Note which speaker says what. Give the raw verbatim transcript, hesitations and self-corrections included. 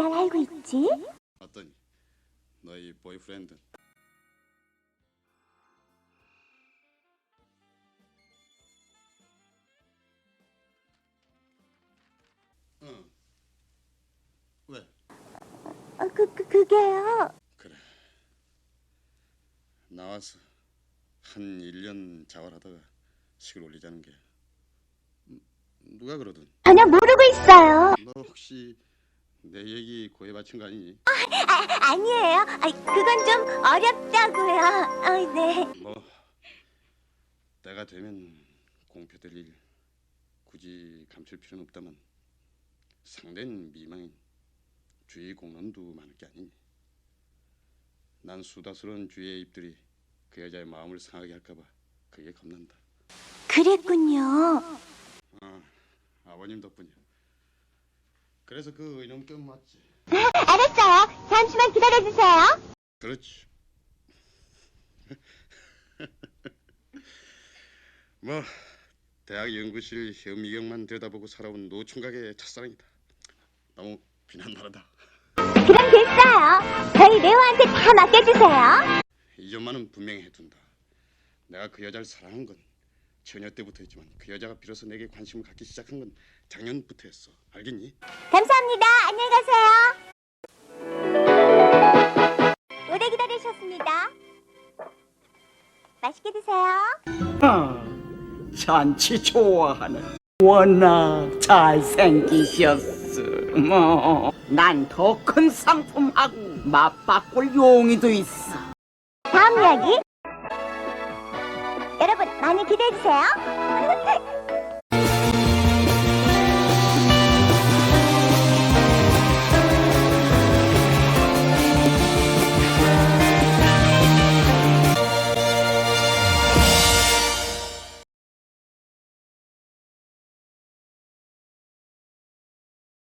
Speaker 1: 잘 알고 있지?
Speaker 2: 어떠니? 너희 보이프렌드. 응. 왜?
Speaker 1: 어, 그, 그, 그게요.
Speaker 2: 그래. 나와서 한 일 년 자활하다가 식을 올리자는 게 음, 누가 그러든.
Speaker 1: 전혀 모르고 있어요.
Speaker 2: 너 혹시 내 얘기 고해 바친 거 아니니?
Speaker 1: 아, 아니에요. 아, 그건 좀 어렵다고요. 아, 네.
Speaker 2: 뭐 때가 되면 공표될 일 굳이 감출 필요는 없다만 상대는 미망인 주위 공론도 많을 게 아니니. 난 수다스러운 주위의 입들이 그 여자의 마음을 상하게 할까봐 그게 겁난다.
Speaker 1: 그랬군요.
Speaker 2: 아, 아버님 덕분이야. 그래서 그 이놈 껴 맞지.
Speaker 1: 알았어요. 잠시만 기다려주세요.
Speaker 2: 그렇지. 뭐 대학 연구실 현미경만 들여다보고 살아온 노총각의 첫사랑이다. 너무 비난나르다.
Speaker 1: 그럼 됐어요. 저희 레오한테 다 맡겨주세요.
Speaker 2: 이 점만은 분명히 해둔다. 내가 그 여자를 사랑한 건 처녀 때부터였지만 그 여자가 비로소 내게 관심을 갖기 시작한 건 작년부터였어. 알겠니?
Speaker 1: 감사합니다. 안녕히 가세요. 오래 기다리셨습니다. 맛있게 드세요.
Speaker 3: 아, 잔치 좋아하는 워낙 잘생기셨어. 뭐, 난 더 큰 상품하고 맞바꿀 용의도 있어.
Speaker 1: 다음 이야기. 여러분 많이 기대해 주세요.